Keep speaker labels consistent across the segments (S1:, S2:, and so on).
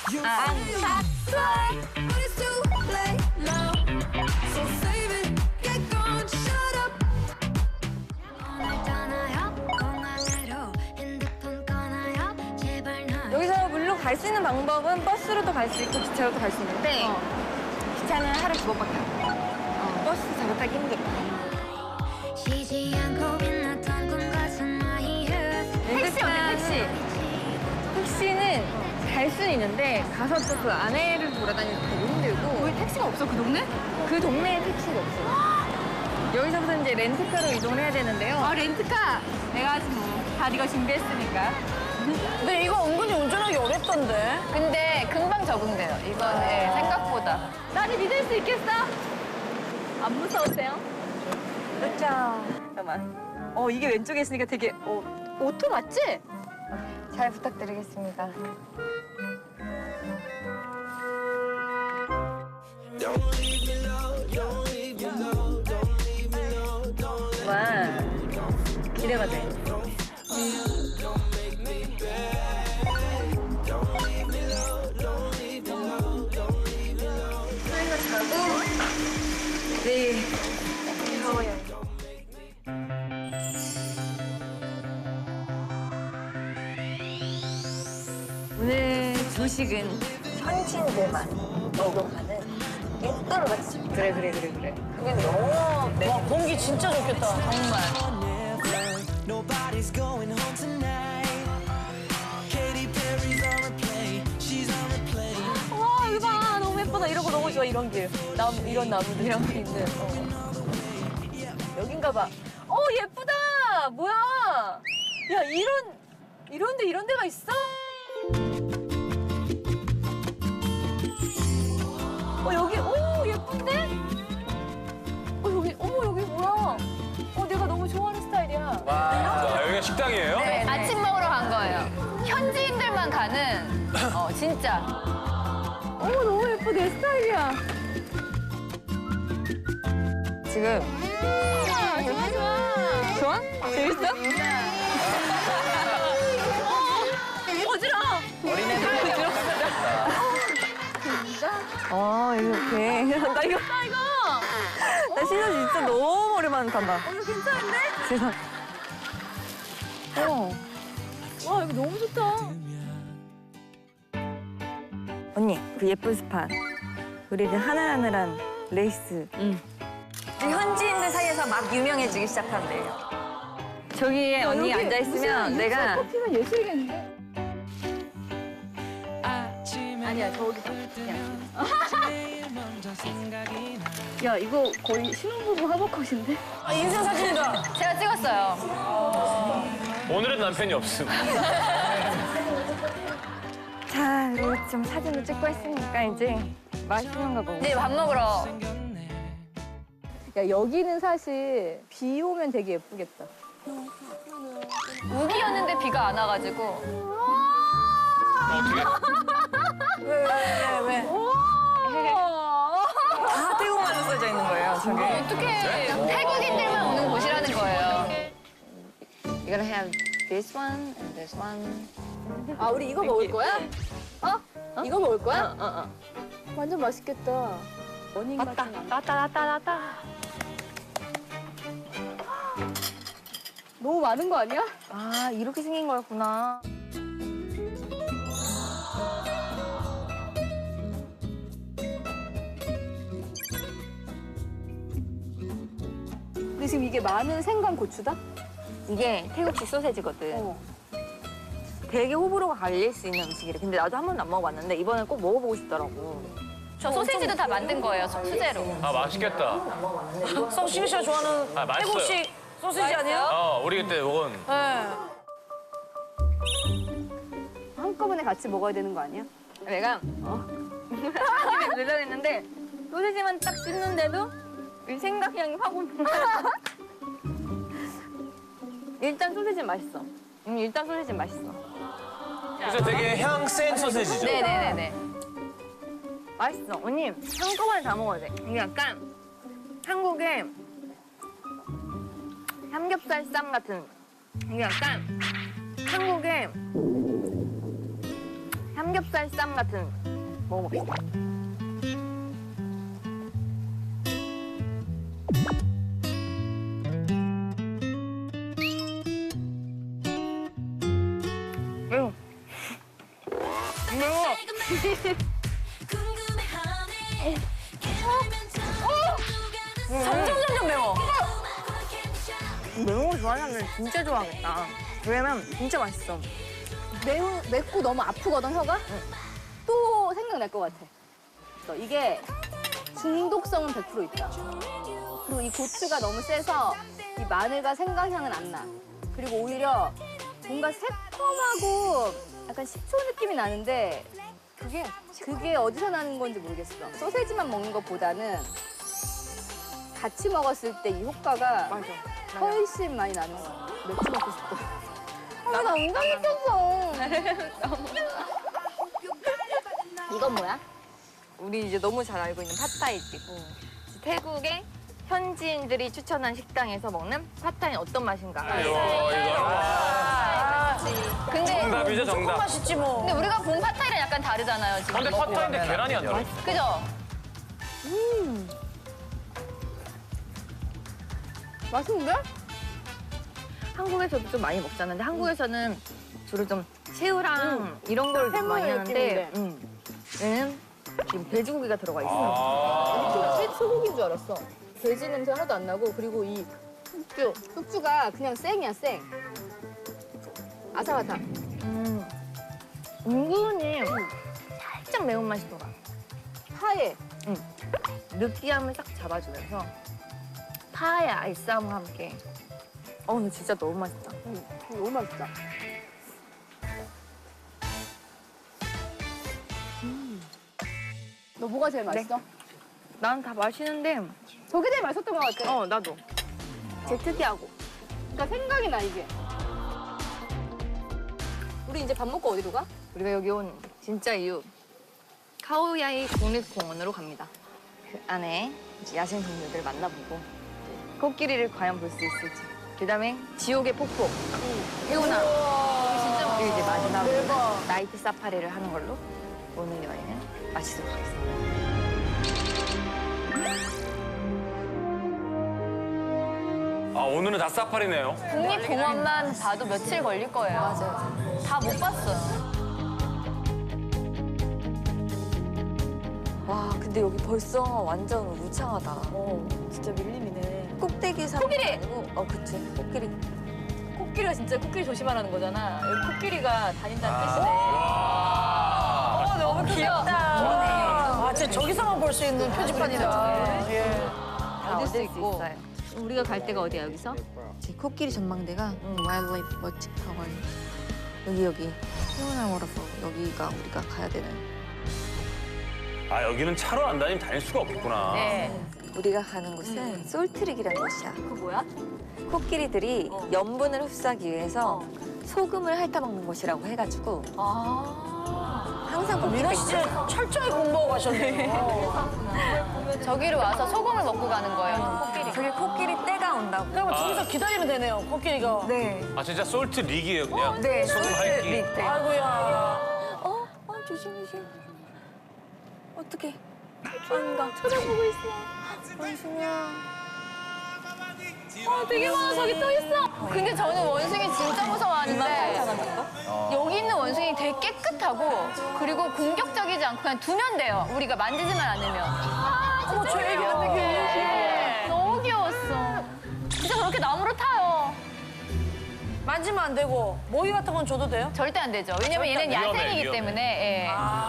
S1: 여기서 물론 갈 수 있는 방법은 버스로도 갈 수 있고 기차로도 갈 수 있는데 기차는 하루에 2번밖에 안 돼. 버스 자주 타기 힘들어. 택시 어때, 택시? 택시는 갈 수는 있는데 가서 또 그 안에를 돌아다니기 되게 힘들고.
S2: 왜 택시가 없어, 그 동네?
S1: 그 동네에 택시가 없어요. 여기서부터 이제 렌트카로 이동을 해야 되는데요.
S2: 아, 렌트카. 내가 아직 뭐, 다 네가 준비했으니까.
S3: 근데 이거 은근히 운전하기 어렵던데.
S2: 근데 금방 적응돼요. 이거는 생각보다. 나를 믿을 수 있겠어? 안 무서우세요?
S1: 그렇죠. 잠깐만. 이게 왼쪽에 있으니까 되게
S2: 오토 맞지?
S1: 잘 부탁드리겠습니다. 와, 기대가 돼. 저희가 자고 내일 더워요. 오늘 조식은 현지인들만 먹어가는 예쁜 맛집. 그래. 그게 너무
S3: 와, 공기 진짜 좋겠다.
S2: 정말.
S4: Nobody's going home tonight. Katy Perry's on replay. She's on replay.
S3: 와, 이거 봐. 너무 예쁘다. 이런 거 너무 좋아, 이런 길. 이런 나무들 이런 게 있는. 여긴가 봐. 예쁘다. 뭐야. 야, 이런 데가 있어? 여기, 예쁜데? 여기 뭐야? 내가 너무 좋아하는 스타일이야.
S5: 와, 여기가 식당이에요?
S2: 네, 아침 먹으러 간 거예요. 현지인들만 가는, 진짜.
S3: 너무 예뻐. 내 스타일이야.
S1: 지금
S3: 좋아.
S1: 좋아? 재밌어?
S3: 어지러워.
S5: 어린애들
S1: 이렇게. 나 이거. 나 신혼 진짜 너무 오랜만에 탄다.
S3: 이거 괜찮은데?
S1: 세상.
S3: 와, 이거 너무 좋다.
S1: 언니, 그 예쁜 스판. 우리 그 하늘하늘한 레이스. 그 현지인들 사이에서 막 유명해지기 시작한대요. 저기에 언니 앉아있으면 내가.
S3: 커피가 예술이겠는데?
S4: 아니야,
S3: 저기 봐.
S4: 제일 먼저 생각이 나.
S3: 야, 이거 거의 신혼부부 화보컷인데?
S1: 인생 사진이다.
S2: 제가 찍었어요.
S5: 오늘은 남편이 없음.
S1: 자, 우리 좀 사진을 찍고 했으니까 이제 맛있는 거 먹고.
S2: 네, 밥 먹으러.
S3: 야, 여기는 사실 비 오면 되게 예쁘겠다.
S2: 우기였는데 비가 안 와가지고.
S5: 어떻게?
S1: 왜? 다 태국말로 써져 있는 거예요, 저게.
S2: 어떻게 태국인들만 오는 곳이라는 거예요.
S1: You're gonna have this one and this one.
S3: 아, 우리 이거 먹을 거야? 이거 먹을 거야?
S1: 어.
S3: 완전 맛있겠다. 원인
S1: 맞다.
S3: 같은
S1: 나왔다.
S3: 너무 많은 거 아니야?
S1: 아, 이렇게 생긴 거였구나.
S3: 근데 지금 이게 마늘, 생강, 고추다?
S1: 이게 태국식 소세지거든. 되게 호불호가 갈릴 수 있는 음식이래. 근데 나도 한 번도 안 먹어봤는데 이번에 꼭 먹어보고 싶더라고.
S2: 저 소시지도 다 만든 거예요, 수제로.
S5: 아, 맛있겠다.
S3: 성식이 씨가 좋아하는
S5: 아, 맛있어요.
S3: 태국식 소시지 아니야?
S5: 우리 그때 먹은.
S3: 네. 한꺼번에 같이 먹어야 되는 거 아니야?
S1: 내가 한 입에 늘려냈는데 소세지만 딱 씹는데도 이 생강향이 확 오는 거야. 일단 소세지는 맛있어. 일단 소세지는 맛있어.
S5: 그래서 되게 향 센 소세지죠?
S2: 네네네네.
S1: 맛있어. 언니, 한꺼번에 다 먹어야 돼. 이게 약간 한국의 삼겹살 쌈 같은. 이게 약간 한국의 삼겹살 쌈 같은 먹어봅시다. 매워. 매워. 점점 매워. 매운 거 좋아하는 사람들 진짜 좋아하겠다. 왜냐면 진짜 맛있어.
S2: 맵고 너무 아프거든, 혀가? 또 생각날 것 같아. 그래서 이게 중독성은 100% 있다. 그리고 이 고추가 너무 세서 이 마늘과 생강향은 안 나. 그리고 오히려 뭔가 새콤하고 약간 식초 느낌이 나는데 그게 어디서 나는 건지 모르겠어. 소세지만 먹는 것보다는 같이 먹었을 때 이 효과가 훨씬 많이 나는 거야. 맥주 먹고 싶어. 나 운전 느꼈어. 이건 뭐야?
S1: 우리 이제 너무 잘 알고 있는 팟타이집. 태국의 현지인들이 추천한 식당에서 먹는 팟타이는 어떤 맛인가?
S5: 이거.
S2: 근데
S5: 정답이죠, 정답.
S3: 맛있지 뭐.
S2: 근데 우리가 본 팟타이랑 약간 다르잖아요, 지금.
S5: 근데 팟타이인데 계란이 안 들어있어.
S2: 그죠? 맛있는데?
S1: 한국에서도 좀 많이 먹잖아. 근데 한국에서는 주로 좀 새우랑 이런 걸 좀 많이 하는데 얘는 지금 돼지고기가 들어가 있어.
S2: 나 소고기인 줄 알았어. 돼지 냄새 하나도 안 나고 그리고 이 숙주가 그냥 생이야, 생. 아삭아삭.
S1: 은근히 살짝 매운맛이 돌아.
S2: 파에
S1: 느끼함을 딱 잡아주면서 파의 알싸움과 함께. 근데 진짜 너무 맛있다.
S2: 너무 맛있다. 너 뭐가 제일 맛있어?
S1: 난 다 맛있는데,
S2: 저게 제일 맛있었던 것 같아.
S1: 나도. 제일 특이하고.
S2: 그러니까 생각이 나, 이게. 우리 이제 밥 먹고 어디로 가?
S1: 우리가 여기 온 진짜 이유. 카오야이 국립공원으로 갑니다. 그 안에 이제 야생 동물들 만나보고 코끼리를 과연 볼 수 있을지. 그다음에 지옥의 폭포, 해우나. 그리고 이제 마지막으로 나이트 사파리를 하는 걸로 오늘 여행은 마치도록 하겠습니다.
S5: 오늘은 다 사파리네요.
S2: 국립공원만 봐도 며칠 걸릴 거예요. 맞아요. 다 못 봤어요.
S1: 와, 근데 여기 벌써 완전 우창하다.
S3: 진짜 밀림이네.
S1: 꼭대기 산
S2: 코끼리!
S1: 아니고, 그치, 코끼리.
S3: 코끼리가 진짜 코끼리 조심하라는 거잖아. 여기 코끼리가 다닌다는 뜻이네.
S1: 너무 귀엽다.
S3: 아, 진짜 저기서만 볼 수 있는 표지판이다.
S1: 다 얻을 수 있고.
S2: 우리가 갈 데가 어디야, 여기서?
S1: 제 코끼리 전망대가 와일드라이프 워치 타워. 여기 해운항으로서 여기가 우리가 가야 되는.
S5: 여기는 차로 안 다니면 다닐 수가 없겠구나.
S2: 네.
S1: 우리가 가는 곳은 솔트릭이라는 곳이야.
S2: 그 뭐야?
S1: 코끼리들이 염분을 흡수하기 위해서 소금을 핥아먹는 곳이라고 해가지고 항상 코끼리가
S3: 민아 씨 진짜 철저히 공부하고 가셨네요.
S2: 저기로 와서 소금을 먹고 가는 거예요, 코끼리.
S1: 저기 코끼리 떼가 온다고.
S3: 그러면 저기서 기다리면 되네요, 코끼리가.
S1: 네.
S5: 진짜 솔트 릭이에요, 그냥.
S1: 네,
S5: 소금 핥기.
S1: 솔트릭. 네.
S3: 아이고야.
S1: 조심. 어떡해. 안가. 쳐다보고 있어. 원숭이야.
S2: 되게 많아, 저기 또 있어. 근데 저는 원숭이 진짜 무서워하는데 여기 있는 원숭이 되게 깨끗하고 그리고 공격적이지 않고 그냥 두면 돼요. 우리가 만지지만 않으면.
S3: 어머, 저 애기 같아,
S2: 네. 너무 귀여웠어. 진짜 저렇게 나무로 타요.
S3: 만지면 안 되고 모이 같은 건 줘도 돼요?
S2: 절대 안 되죠. 왜냐면 얘는
S5: 위험해,
S2: 야생이기
S5: 위험해.
S2: 때문에. 예.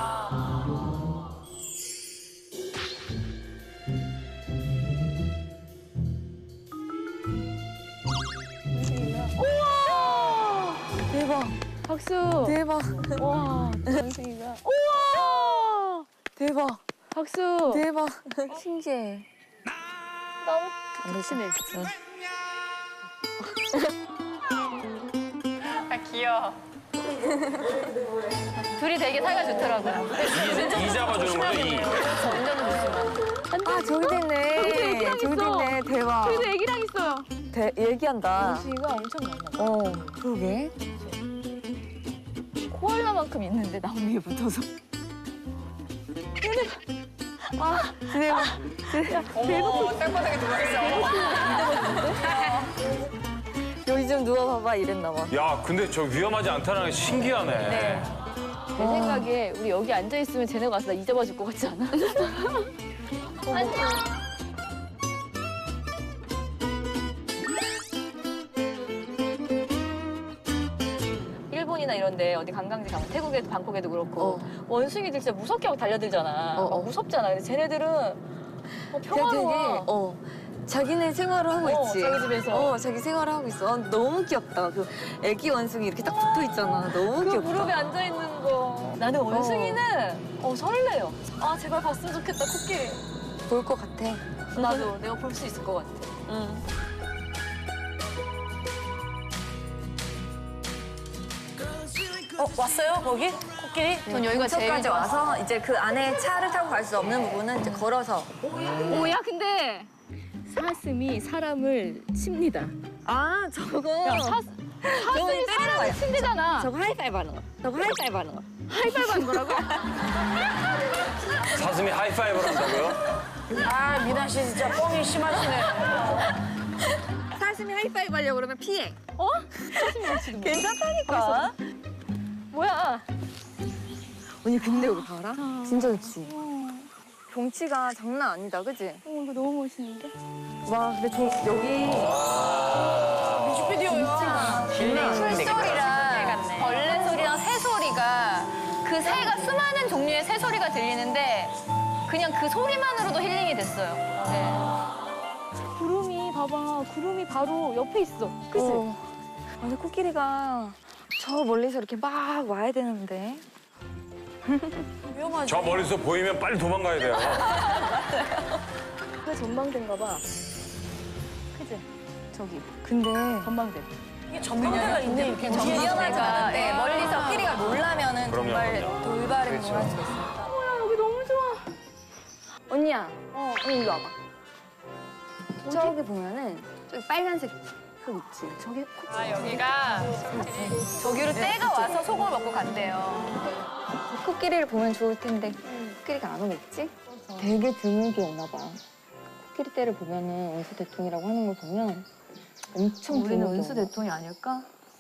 S1: 대박.
S2: 박수.
S1: 대박.
S2: 와, 원숭이가.
S1: 우와! 대박.
S2: 박수.
S1: 대박. 신기해.
S2: 너무
S1: 안 되시네.
S2: 귀여워. 둘이 되게 사이가 좋더라고요.
S5: 이 잡아주는 거죠, 이.
S2: 운전은 좋지만.
S1: 저기도 있네. 저기도 있네. 대박.
S2: 저기도 애기랑 있어요.
S1: 얘기한다.
S2: 원숭이가 엄청 많나 봐.
S1: 그러게.
S2: 코알라
S3: 하나만큼 있는데 나무 위에 붙어서.
S1: 땅바닥에 누워있어. 여기 좀 누워봐봐 이랬나 봐.
S5: 야, 근데 저 위험하지 않다는 게 신기하네.
S1: 네.
S3: 내 생각에 우리 여기 앉아 있으면 쟤네가 와서 나 잊어봐 줄 것 같지 않아? 일본이나 이런데 어디 관광지 가면 태국에도 방콕에도 그렇고 원숭이들 진짜 무섭게 하고 달려들잖아. 막 무섭잖아. 근데 쟤네들은 평화로워.
S1: 자기네 생활을 하고 있지.
S3: 자기 집에서.
S1: 자기 생활을 하고 있어. 너무 귀엽다. 그 애기 원숭이 이렇게 딱 붙어 있잖아. 너무
S3: 그
S1: 귀엽다.
S3: 무릎에 앉아 있는 거. 나는 원숭이는 설레요. 아 제발 봤으면 좋겠다 코끼리.
S1: 볼 것 같아.
S3: 나도 내가 볼 수 있을 것 같아.
S1: 응.
S3: 왔어요 거기 코끼리? 전 여기가 제일
S1: 근처까지
S3: 좋아.
S1: 와서 이제 그 안에 차를 타고 갈 수 없는 부분은 이제 걸어서.
S3: 오야 근데 사슴이 사람을 칩니다.
S1: 아 저거.
S3: 사슴이 사람을 친대잖아.
S1: 저거 하이파이브 하는 거. 저거 하이파이브 하는 거.
S3: 하이파이브 하는 거라고?
S5: 사슴이 하이파이브를 한다고요?
S3: 아 미나 씨 진짜 뻥이 심하시네.
S1: 사슴이 하이파이브 하려고 그러면 피해.
S3: 사슴이 치는 거.
S1: 괜찮다니까.
S3: 뭐야?
S1: 언니 근데 여기 봐라. 진짜 좋지. 경치가 장난 아니다, 그지?
S3: 이거 너무 멋있는데?
S1: 와, 근데 여기
S3: 뮤직비디오야.
S2: 풀소리랑 벌레 소리랑 새 소리가 그 새가 수많은 종류의 새 소리가 들리는데 그냥 그 소리만으로도 힐링이 됐어요. 네.
S3: 구름이 봐봐. 구름이 바로 옆에 있어. 그치?
S1: 근데 코끼리가 저 멀리서 이렇게 막 와야 되는데.
S5: 저 멀리서 보이면 빨리 도망가야 돼요.
S3: 그 전망대인가 봐. 그치? 저기
S1: 근데
S3: 전망대.
S2: 전망대가 있네. 이렇게 전망대가
S1: 네, 멀리서 코끼리가 놀라면은
S5: 그럼요,
S1: 정말
S5: 그럼요.
S1: 돌발의
S5: 그렇죠.
S1: 행동을 할 수가 있으니까.
S3: 여기 너무 좋아.
S1: 언니야, 언니 이리 와봐. 저기 보면은 저기 빨간색 흙 있지? 저기 코끼리.
S2: 여기가 저기로 떼가 와서 속을 먹고 간대요.
S1: 코끼리를 보면 좋을 텐데 코끼리가 안 오겠지? 되게 드물게 오나 봐. 코끼리 떼를 보면은 은수 대통이라고 하는 걸 보면 엄청
S3: 우리는
S1: 드물게
S3: 은수
S1: 오나 봐.
S3: 대통이 아닐까?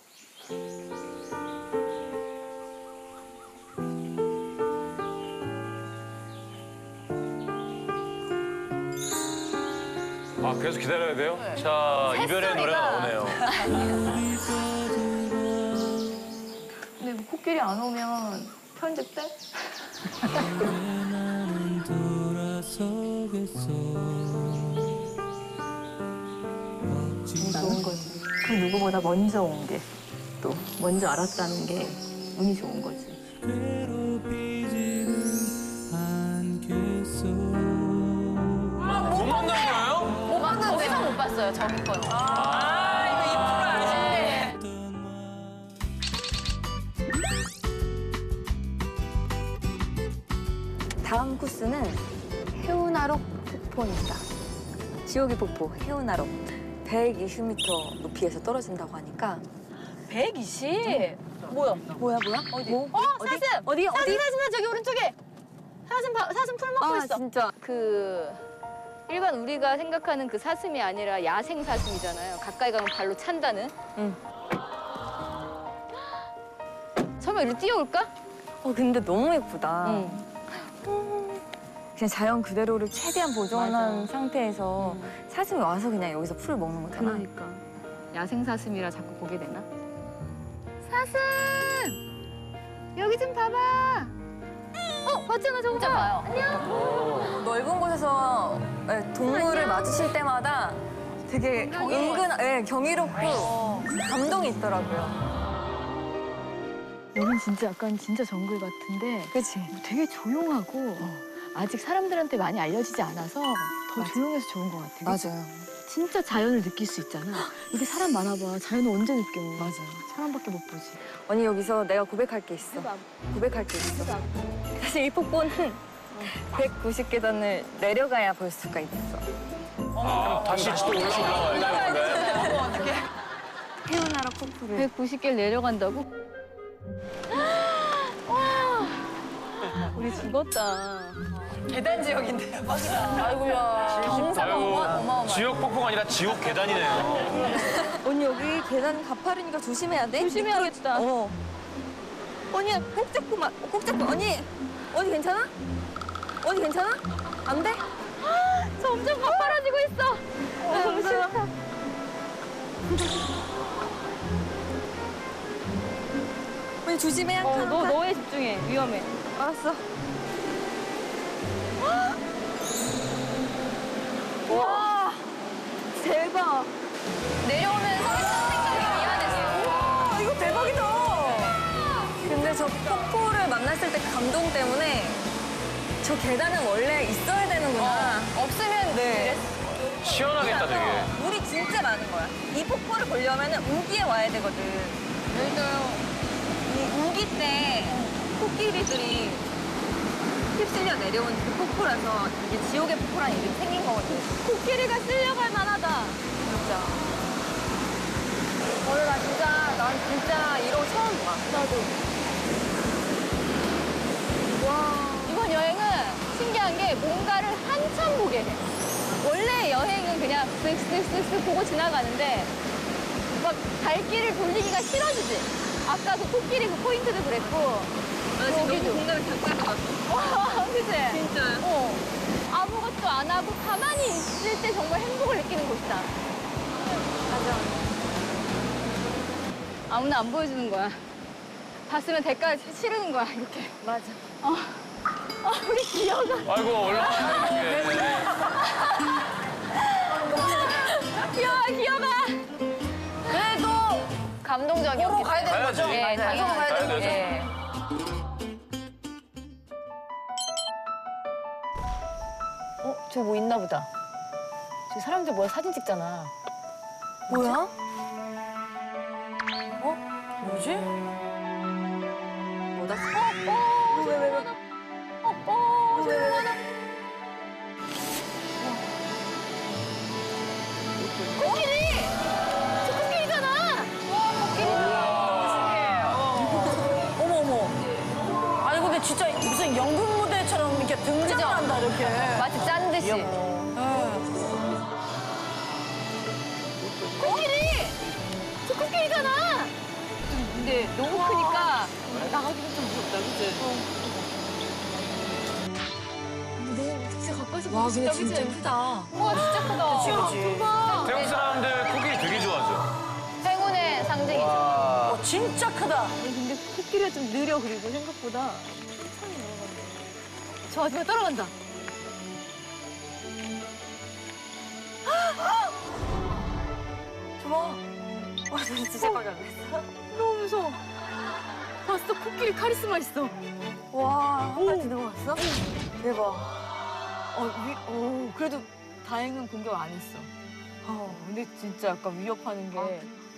S5: 아, 계속 기다려야 돼요? 자, 이별의 노래가 나오네요.
S3: 근데 뭐 코끼리 안 오면 편집돼?
S4: 나는 돌아서겠어.
S3: 좋은 거지. 그 누구보다 먼저 온 게 또 먼저 알았다는 게 운이 좋은 거지.
S4: 괴롭히지는 않겠어.
S5: 못 만난 거예요?
S2: 못 봤는데. 거기서 못 봤어요, 저기 건.
S1: 다음 코스는 해운아록 폭포입니다. 지옥의 폭포 해운아록 120m 높이에서 떨어진다고 하니까
S3: 120? 뭐야?
S1: 뭐야?
S3: 어디?
S1: 뭐?
S3: 사슴!
S1: 어디?
S3: 사슴 저기 오른쪽에! 사슴 풀 먹고
S1: 아
S3: 있어.
S1: 진짜
S2: 그 일반 우리가 생각하는 그 사슴이 아니라 야생 사슴이잖아요. 가까이 가면 발로 찬다는.
S1: 응.
S2: 설마 이리 뛰어올까?
S1: 근데 너무 예쁘다.
S2: 응.
S1: 그냥 자연 그대로를 최대한 보존한 상태에서 사슴이 와서 그냥 여기서 풀을 먹는 거잖아.
S2: 그러니까 야생 사슴이라 자꾸 보게 되나? 사슴! 여기 좀 봐봐. 봤잖아 저거. 진짜 봐요. 안녕.
S1: 넓은 곳에서 동물을 맞으실 때마다 되게 경이롭고 감동이 있더라고요.
S3: 여긴 진짜 약간 진짜 정글 같은데
S1: 그치?
S3: 되게 조용하고 아직 사람들한테 많이 알려지지 않아서 더 조용해서 좋은 것 같아. 그치?
S1: 맞아요.
S3: 진짜 자연을 느낄 수 있잖아. 이게 사람 많아봐. 자연을 언제 느껴?
S1: 맞아요.
S3: 사람밖에 못 보지.
S1: 언니 여기서 내가 고백할 게 있어. 고백할 게 있어. 사실 이 폭포는 190계단을 내려가야 볼 수가 있어.
S5: 다시 또 올라가야 되는데.
S1: 해운아록 폭포를
S2: 190개를 내려간다고?
S3: 죽었다.
S1: 계단 지역인데 대박이다.
S2: 아이고야.
S1: 경사가
S5: 아이고,
S1: 어마어마해.
S5: 지옥 폭풍 아니라 지옥 계단이네요.
S1: 언니 여기 계단 가파르니까 조심해야 돼.
S3: 조심해야겠다.
S1: 어. 언니 꼭 잡고 꼭 잡고. 언니 괜찮아? 언니 괜찮아? 안 돼?
S3: 점점 가파라지고 있어.
S1: 너무 싫다. 언니 조심해 한 칸.
S3: 너에 집중해. 위험해.
S1: 알았어. 와 대박.
S2: 내려오면서 했던 생각이 미안했어.
S1: 와 이거 대박이다. 근데 저 폭포를 만났을 때 그 감동 때문에 저 계단은 원래 있어야 되는구나.
S2: 없으면
S1: 네.
S5: 시원하겠다 되게.
S1: 물이 진짜 많은 거야. 이 폭포를 보려면 우기에 와야 되거든. 이 우기 때 코끼리들이 휩쓸려 내려온 그 폭포라서 이게 지옥의 폭포라는 이름이 생긴 거거든.
S3: 코끼리가 쓸려갈 만하다.
S1: 진짜. 오늘 난 진짜 이런 거 처음 봐. 나도.
S2: 이번 여행은 신기한 게 뭔가를 한참 보게 돼. 원래 여행은 그냥 쓱쓱쓱쓱 보고 지나가는데 막 발길을 돌리기가 싫어지지. 아까 그 코끼리 그 포인트도 그랬고
S1: 나 지금
S2: 여기도.
S1: 너무 공감이 잠깐 왔어.
S2: 와, 그치?
S1: 진짜요?
S2: 아무것도 안 하고 가만히 있을 때 정말 행복을 느끼는 곳이다.
S1: 맞아.
S2: 아무나 안 보여주는 거야. 봤으면 대가 치르는 거야, 이렇게.
S1: 맞아.
S2: 우리 기어가.
S5: 아이고 올라가네.
S2: 기어가. 그래도 감동적이었기
S1: 가야 되는
S5: 가야지.
S1: 거죠?
S2: 예,
S1: 가야
S2: 가야
S1: 되는
S5: 되는
S1: 거죠?
S2: 예.
S3: 저기 뭐 있나 보다. 저기 사람들 모여 사진 찍잖아.
S1: 뭐야? 뭐지? 뭐다? 왜?
S2: 코끼리! 저 코끼리잖아!
S6: 어머. 아니 근데 진짜 무슨 연극 무대처럼 이렇게 등장을
S2: 그죠?
S6: 한다 이렇게.
S2: 마치 짠 듯이. 코끼리! 저 코끼리잖아! 근데 너무 크니까 나가기가 좀 무섭다, 그치?
S6: 와 근데 진짜 크다.
S2: 우와, 진짜 크다.
S6: 그치.
S5: 태국 사람들 코끼리 되게 좋아하죠.
S2: 행운의 상징이죠.
S6: 어, 진짜 크다.
S3: 근데 코끼리가 좀 느려 그리고 생각보다.
S2: 저 아줌마 따라간다.
S1: 좋아. 와, 진짜 깜짝 놀랐어.
S3: 너무 무서워. 봤어? 코끼리 카리스마 있어.
S1: 와, 한 발치 넘어갔어? 대박.
S3: 그래도 다행은 공격 안 했어. 근데 진짜 약간 위협하는 게.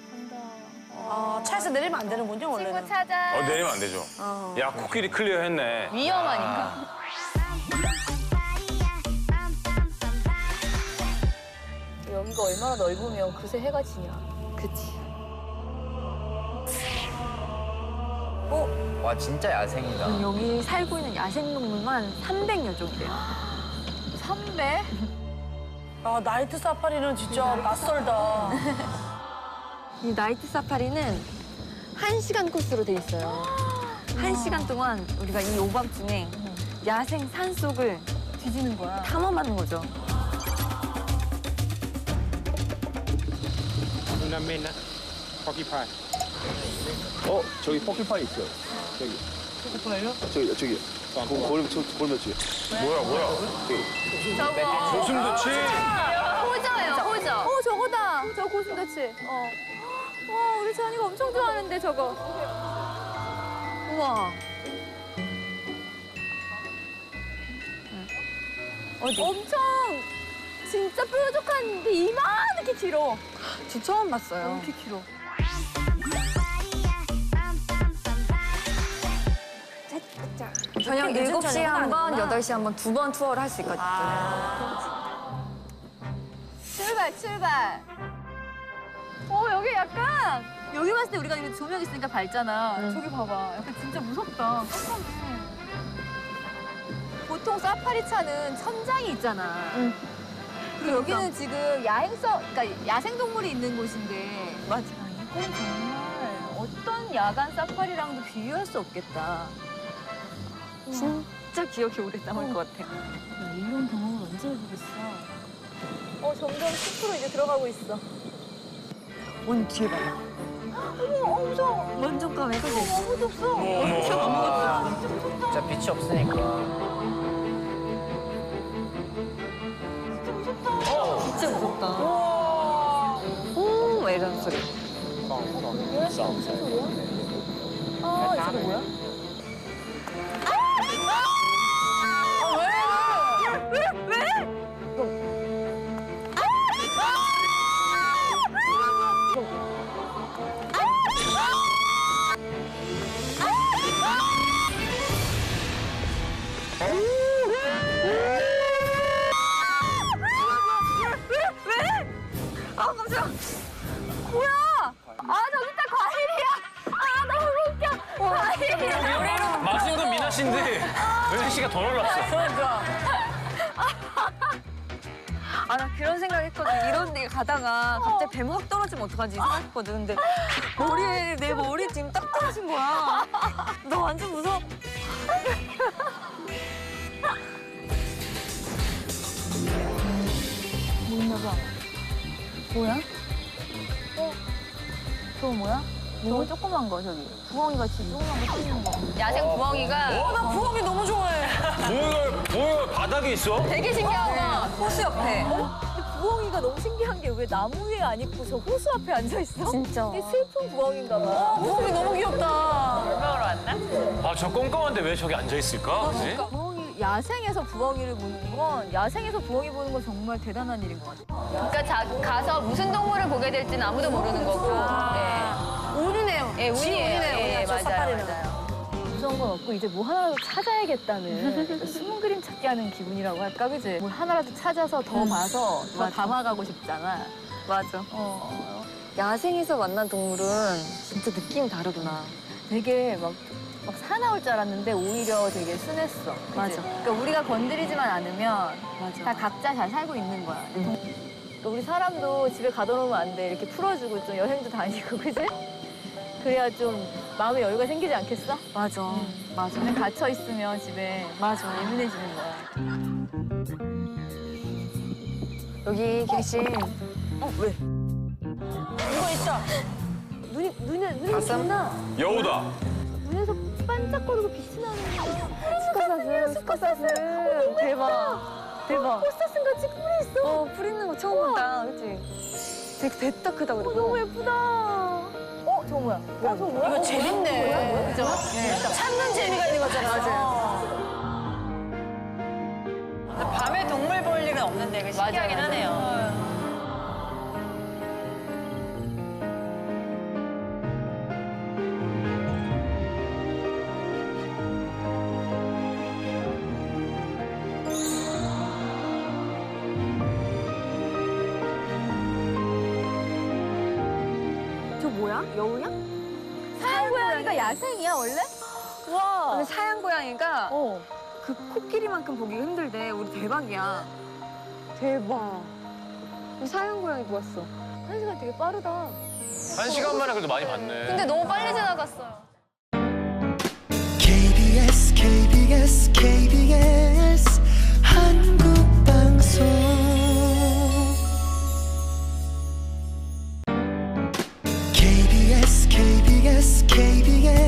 S6: 차에서 내리면 안 되는군요 원래는.
S2: 친구 찾아.
S5: 내리면 안 되죠. 야 코끼리 클리어 했네.
S2: 위험하니까.
S3: 여기가 얼마나 넓으면 그새 해가 지냐.
S1: 그치.
S7: 와 진짜 야생이다.
S1: 여기 살고 있는 야생동물만 300여 종이래요.
S2: 3배?
S6: 아 나이트 사파리는 진짜 낯설다.
S1: 이 나이트 사파리는 1시간 코스로 돼 있어요. 1시간 동안 우리가 이 오밤중에 야생 산속을
S3: 뒤지는 거야.
S1: 탐험하는 거죠.
S8: 누나메나 포키파이.
S9: 저기 포켓파이 있어요. 저기.
S3: 포켓파이요?
S9: 저기. 골매치.
S5: 뭐야?
S2: 저거.
S5: 고슴도치.
S2: 호저예요, 호저.
S3: 저거다. 저 고슴도치. 와, 우리 찬이가 엄청 좋아하는데 저거.
S1: 우와. 어디?
S3: 엄청 진짜 뾰족한데 이만하게 길어.
S1: 저 처음 봤어요.
S3: 이렇게 길어.
S1: 저녁
S6: 늦은
S1: 7시에
S6: 저녁은
S1: 한 번,
S6: 아니구나.
S1: 8시에 한 번, 2번 투어를 할 수 있거든요.
S2: 출발. 여기 약간
S3: 여기 봤을 때 우리가 이거 조명 있으니까 밝잖아. 저기 봐봐. 약간 진짜 무섭다. 깜깜해.
S2: 보통 사파리 차는 천장이 있잖아. 그리고
S1: 그러니까.
S2: 여기는 지금 그러니까 야생동물이 있는 곳인데.
S1: 맞아.
S2: 이건 정말 어떤 야간 사파리랑도 비교할 수 없겠다.
S1: 진짜 기억이 오래 남을 것 같아.
S2: 이런 경험을 언제 해보겠어? 점점 숲으로 이제 들어가고 있어.
S1: 원 뒤에 봐봐.
S2: 어머, 무서워.
S1: 완전 까매, 그지?
S2: 아무도 없어.
S1: 엄청 아무것도.
S6: 진짜 빛이 없으니까.
S1: 진짜 무섭다. 오, 막 이런 소리.
S2: 아, 이거 뭐야?
S1: 아, 깜짝이야.
S2: 뭐야? 아, 저기 다 과일이야. 아, 너무 웃겨. 과일이야.
S5: 맞은 건 미나 씨인데 은혜 씨가 더 놀랐어.
S1: 아, 나 그런 생각 했거든. 이런 데 가다가 갑자기 뱀 확 떨어지면 어떡하지 생각했거든. 근데 내 머리에 지금 딱 떨어진 거야. 너 완전 무서워.
S2: 뭐 있나 봐. 뭐야? 저거 뭐야? 저거 조그만 거, 저기. 부엉이 같이 조그만 거 튀는 거.
S1: 야생 부엉이가
S6: 나 부엌이 너무 좋아해.
S5: 뭐야 바닥에 있어?
S1: 되게 신기하다. 호수 옆에.
S2: 부엉이가 너무 신기한 게 왜 나무 위에 안 있고 저 호수 앞에 앉아 있어?
S1: 진짜.
S2: 이게 슬픈 부엉인가 봐.
S6: 부엌이 너무 귀엽다.
S5: 아 저 깜깜한데 왜 저기 앉아 있을까? 그지?
S2: 부엉이, 야생에서 부엉이를 보는 건, 야생에서 부엉이 보는 건 정말 대단한 일인 것 같아.
S1: 그러니까 가서 무슨 동물을 보게 될지는 아무도 모르는 거고.
S6: 운이네요.
S1: 예, 운이에요. 예,
S6: 저
S1: 맞아요,
S6: 사파리는.
S1: 맞아요.
S2: 무서운 건 없고 이제 뭐 하나라도 찾아야겠다는 숨은 그림 찾기 하는 기분이라고 할까, 그지? 뭘 하나라도 찾아서 더 봐서 더
S1: 맞아.
S2: 담아가고 싶잖아.
S1: 맞아. 야생에서 만난 동물은 진짜 느낌이 다르구나.
S2: 되게 막 사나울 줄 알았는데 오히려 되게 순했어. 그치?
S1: 맞아.
S2: 그러니까 우리가 건드리지만 않으면
S1: 맞아.
S2: 다 각자 잘 살고 있는 거야. 그러니까 우리 사람도 집에 가둬놓으면 안 돼. 이렇게 풀어주고 좀 여행도 다니고, 그지? 그래야 좀 마음의 여유가 생기지 않겠어?
S1: 맞아. 맞아.
S2: 그냥 갇혀 있으면 집에
S1: 맞아.
S2: 예민해지는 거야.
S1: 여기 계신 왜?
S6: 이거 있다.
S2: 눈이
S1: 가슴?
S2: 빛나.
S5: 여우다.
S2: 눈에서 반짝거리고 빛이 나는 거야.
S1: 스카사스. 대박. 대박.
S2: 꽃사슴 같이 뿔이 있어.
S1: 풀 있는 거 처음 본다. 그치? 되게 됐다 크다 그리고.
S2: 너무 예쁘다. 저거 뭐야? 저거 뭐야?
S6: 이거 재밌네.
S2: 그죠?
S6: 찾는 재미가 있는 거잖아.
S1: 맞아요.
S6: 밤에 동물 볼 일은 없는데 이게 신기하긴
S1: 맞아요.
S6: 하네요.
S1: 저 뭐야? 여우야?
S2: 사양 고양이가 야생이야 원래? 와.
S1: 근데 사양 고양이가
S2: 어.
S1: 그 코끼리만큼 보기가 힘들대. 우리 대박이야.
S2: 대박.
S1: 사양 고양이 보았어.
S2: 1시간 되게 빠르다.
S5: 1시간 만에 그래도 많이 봤네.
S1: 근데 너무 빨리 지나갔어요.
S4: KBS KBS KBS 한국방송 KBS KBS KBS